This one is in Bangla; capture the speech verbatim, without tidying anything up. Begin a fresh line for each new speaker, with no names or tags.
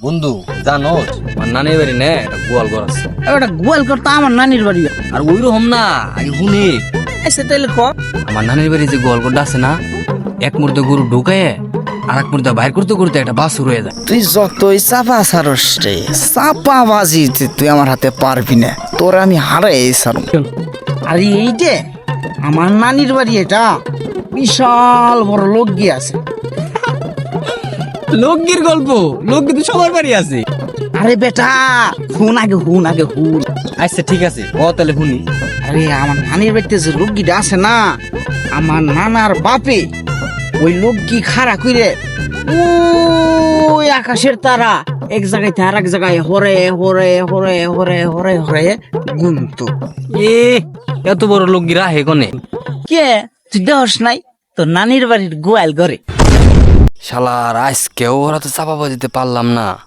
বন্ধু জানো আমার নানির বাড়ি নে একটা গোয়াল ঘর আছে।
ওটা গোয়াল করতো আমার নানির বাড়ি।
আর ওই রকম না, আগে শুনি
এসে তাইলে ক
আমার নানির বাড়ি যে গোয়াল ঘরটা আছে না, এক মুহূর্তে গরু ঢুকায় আর এক মুহূর্তে বাইর করতে করতে একটা বাছুর হয়ে যায়।
তুই যতই চাপা সারস রে, চাপা বাজি তুই আমার হাতে পারবি না, তোর আমি হারাই সারম।
আর এই যে আমার নানির বাড়ি, এটা বিশাল বড় লোক গিয়ে আছে।
লোকগির গল্প, লোকগি তো সবার বাড়ি আছে।
আরে বেটা হুন আগে হুন আগে হুন
আচ্ছা ঠিক আছে, ও তাহলে শুনি।
আরে আমার নানির বাড়িতে যে লোকগিটা আছে না, আমার নানার বাপে ওই লোকগি খাড়া কইরে ওই আকাশের তারা এক জায়গায় থেকে আর এক জায়গায় হরে হরে হরে হরে হরে হরে গুনতো।
এ এত বড় লোকগি রাহে কনে?
কে তুই দেহস নাই তোর নানির বাড়ির গোয়াল ঘরে?
শালার আজকেও ওরা তো চাপা বাজিতে পারলাম না।